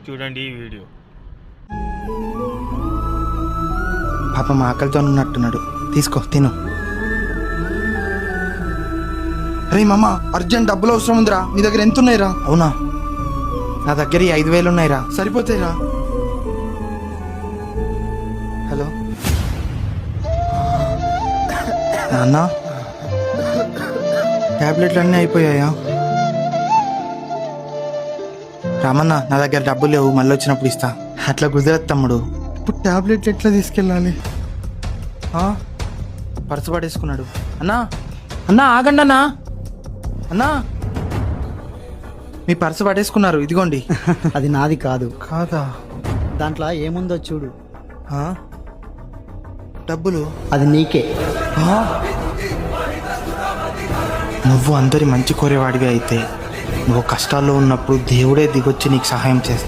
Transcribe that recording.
చూడండి ఈ వీడియో. పాప మా ఆకలితో ఉన్నట్టున్నాడు, తీసుకో తిను. రే మామ, అర్జెంట్ డబ్బులు అవసరం ఉందిరా, నీ దగ్గర ఎంత ఉన్నాయిరా? అవునా, నా దగ్గర 5,000 ఉన్నాయిరా. సరిపోతాయిరా. హలో నాన్న, ట్యాబ్లెట్లు అన్నీ అయిపోయాయా? రామన్న, నా దగ్గర డబ్బులు లేవు, మళ్ళీ వచ్చినప్పుడు ఇస్తా. అట్లా కుదరదు తమ్ముడు. ఇప్పుడు ట్యాబ్లెట్లు ఎట్లా తీసుకెళ్ళాలి? పర్సు పడేసుకున్నాడు. అన్నా అన్నా ఆగండి అన్నా. అన్నా, మీ పర్సు పడేసుకున్నారు, ఇదిగోండి. అది నాది కాదు. కాదా? దాంట్లో ఏముందో చూడు. డబ్బులు? అది నీకే. నువ్వు అందరి మంచి కోరేవాడివి అయితే, నువ్వు కష్టాల్లో ఉన్నప్పుడు దేవుడే దిగొచ్చి నీకు సహాయం చేస్తాడు.